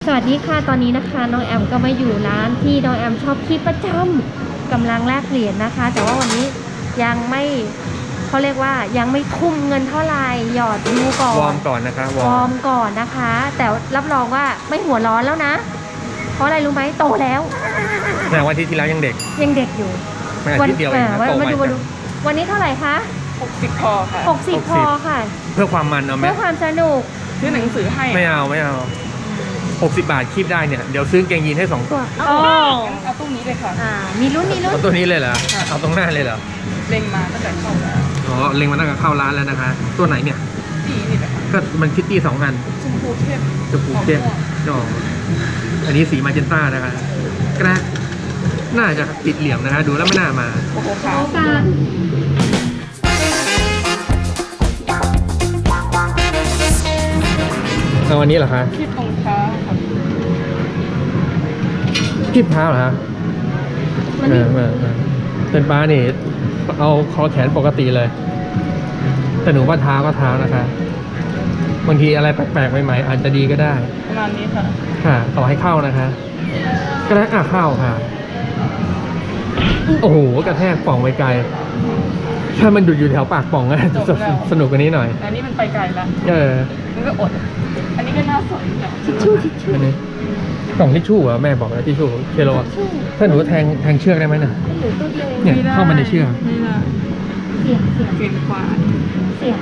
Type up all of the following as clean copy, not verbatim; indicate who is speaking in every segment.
Speaker 1: วัสดีค่ะตอนนี้นะคะน้องแอมก็มาอยู่ร้านที่น้องแอมชอบที่ประจำกำลังแลกเหรียญนะคะ แต่ว่าวันนี้ยังไม่เขาเรียกว่ายังไม่ทุ่มเงินเท่าไหร่หยอดดูก่อน
Speaker 2: วอร์มก่อนนะคะ
Speaker 1: วอร์มก่อนนะคะ แต่รับรองว่าไม่หัวร้อนแล้วนะเพราะอะไรรู้ไหมโตแล้ว
Speaker 2: แต่วันที่แล้วยังเด็ก
Speaker 1: อยู่
Speaker 2: ไม่อาทิตย์เดียวเองนะโตใหม่จัง
Speaker 1: วันนี้เท่าไหร่คะ
Speaker 3: 60 พอค่ะ
Speaker 1: 60 พอค่ะ
Speaker 2: เพื่อความมันเอาไหม
Speaker 1: เพื่อความสนุก
Speaker 3: ซื้อหนังสือให้
Speaker 2: ไม่เอา60 บาทคีบได้เนี่ยเดี๋ยวซื้อเกงยีนให้2 ตัว
Speaker 1: อ๋อ
Speaker 3: เอาตู้นี้เลยค่ะ
Speaker 1: มีลุ้น
Speaker 2: เอาตัวนี้เลยเหรอเอาตรงหน้าเลยเหรอ
Speaker 3: เล็งมาตั้งแต่เข้าแล้ว
Speaker 2: อ๋อเล็งมาตั้งแต่เข้าร้านแล้วนะคะตัวไหนเนี่ย
Speaker 3: นี่แหละ
Speaker 2: ก็มันคิตตี้2 อัน
Speaker 3: ชมพูเข้ม
Speaker 2: อ๋ออันนี้สีมาเจนต้านะคะกระน่าจะติดเหลี่ยมนะคะดูแล้วไม่น่ามา
Speaker 3: โอ้โหค่ะ
Speaker 2: เอาวันนี้เหรอคะ
Speaker 3: คีบรองเท้าค่ะ
Speaker 2: คีบเท้าเหรอคะเป็นป้านี่เอาคอแขนปกติเลยแต่หนูว่าเท้าก็เท้านะคะบางทีอะไรแปลกๆใหม่ๆอาจจะดีก็ได้
Speaker 3: ประมาณนี้ค่ะ
Speaker 2: ค่ะต่อให้เข้านะคะก็ได้เข้าค่ะโอ้โหกระแทกป่องไปไกลถ้ามันดุดอยู่แถวปากป่องก็จะสนุกกว่านี้หน่อย
Speaker 3: อันนี้มันไปไกลแล้วมันก็อดอันนี้ก็น่าสน
Speaker 1: ทิชชู่
Speaker 2: อันนี้กล่องทิชชู่เหรอแม่บอกแล้วทิชชู่เคโลถ้าหนูแทงเชือกได้ไหมน่ะเนี่ยเข้ามาในเชือก
Speaker 1: เสียง
Speaker 3: กว่า
Speaker 1: เสียง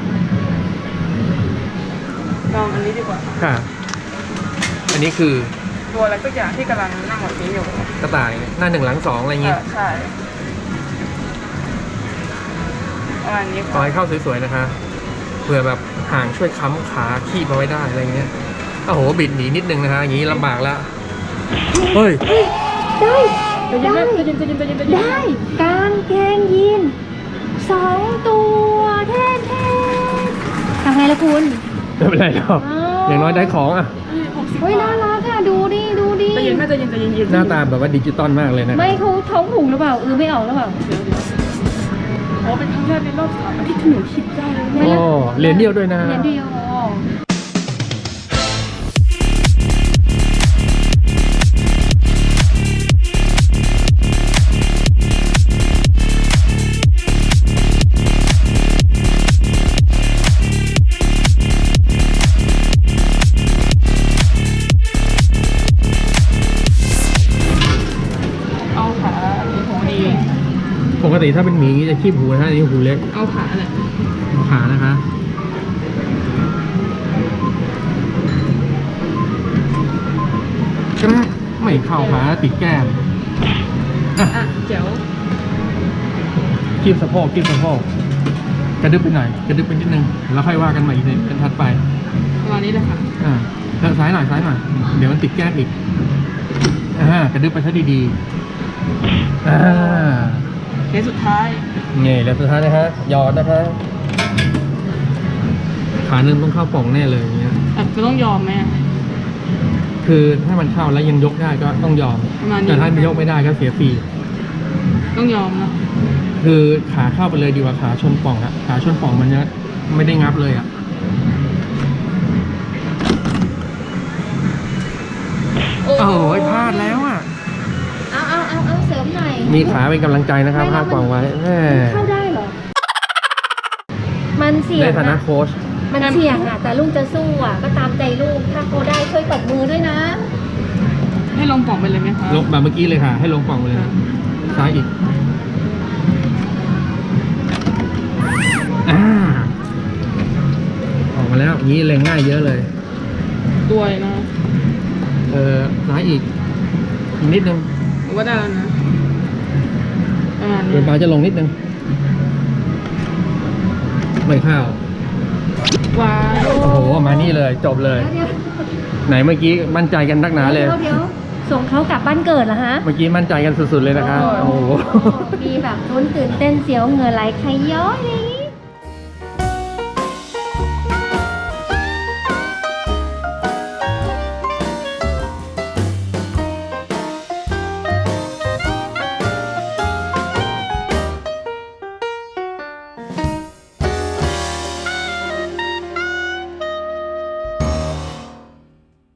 Speaker 3: ลองอันนี้ดีกว่า
Speaker 2: ค่ะอันนี้คือ
Speaker 3: ตัวอะไรสักอย่างที่กำลังนั่งแบบนี้อยู่
Speaker 2: กระต่ายหน้า1 หลัง 2อะไรอย่างงี้
Speaker 3: ใช่ประมาณนี้
Speaker 2: ขอให้เข้าสวยๆนะคะเผื่อแบบห่างช่วยค้ำขาขี้มาไว้ได้อะไรเงี้ยโอ้โหบิดหนีนิดนึงนะคะอย่างงี้ลำบากแล้วเฮ้ย
Speaker 1: ได้กางเกงยีน2 ตัวแท้ๆทำไงล่ะคุณ
Speaker 2: ไม่เป็นไรหรอกอย่างน้อยได้ของอ่ะ
Speaker 1: เฮ้ยน่ารักอ่ะดูดิ
Speaker 3: ใจเย็น
Speaker 2: หน้าตาแบบว่าดิจิตอลมากเลยนะ
Speaker 1: ไม่เขาท้องผูกหรือเปล่าไม่ออกหรือเปล่า
Speaker 3: อ๋อเป็นครั้งแรกในรอบ3 อาทิตย์ที่หนูคิดได้เลย
Speaker 2: อ๋อเหรียญเดียวด้วยนะ
Speaker 1: เหรียญเดียว
Speaker 2: ปกติถ้าเป็นหมีจะคีบหูนะอันนี้หูเล็ก
Speaker 3: เอาขาแหละ
Speaker 2: เอาขานะคะก็ไม่เข้าขาติดแก้ม
Speaker 3: เจ๋ว
Speaker 2: คีบสะโพกกระดึ๊บไปหน่อยกระดึ๊บไปนิดนึงแล้วค่อยว่ากันใหม่อีกในเป็นถัดไป
Speaker 3: ประมาณนี้เลยค่ะ
Speaker 2: ซ้ายหน่อยเดี๋ยวมันติดแก้มอีกกระดึ๊บไปซะดี
Speaker 3: เหรียญสุดท้าย
Speaker 2: เหรียญสุดท้ายนะฮะหยอดนะคะขาหนึ่งต้องเข้าป่องแน่เลยอย่างเงี้ย
Speaker 3: จะต้องยอมไหม
Speaker 2: คือถ้ามันเข้าแล้วยังยกได้ก็ต้องยอมแต่ถ้ามันยกไม่ได้ก็เสียฟรี
Speaker 3: ต้องยอมนะ
Speaker 2: คือขาเข้าไปเลยดีกว่าขาชนป่องอะขาชนป่องมันจะไม่ได้งับเลยอะโอ้โหพลาดแล้วอะ
Speaker 1: เอาเสริมหน่อย
Speaker 2: มีขาเป็นกำลังใจนะครับพาป่องไว้
Speaker 1: เข้าได้เหรอมันเสี่ยง
Speaker 2: ในฐานะโค้ช
Speaker 1: มันเสี่ยงอ่ะแต่ลูกจะสู้อ่ะก็ตามใจลูกถ้าเขาได้ช่วยตบมือด้วยนะ
Speaker 3: ให้ลงป่องไปเลยไหมคะ
Speaker 2: ลงแบบเมื่อกี้เลยค่ะให้ลงป่องไปเลยซ้ายอีกออกมาแล้วงี้เล็งง่ายเยอะเลย
Speaker 3: ด้วยนะ
Speaker 2: ซ้ายอีกนิดนึง
Speaker 3: ว่าได้แล้วนะ
Speaker 2: เดี๋ยวปลาจะลงนิดนึงไม่เข้า
Speaker 3: ว้าว
Speaker 2: โอ้โหมานี่เลยจบเลยไหนเมื่อกี้มั่นใจกันนักหนาเลย
Speaker 1: เดี๋ยวส่งเขากลับบ้านเกิดเหรอฮะ
Speaker 2: เมื่อกี้มั่นใจกันสุดๆเลยนะคะโอ้โห
Speaker 1: มีแบบลุ้นตื่นเต้นเสียวเหงื่อไหลใครย้อย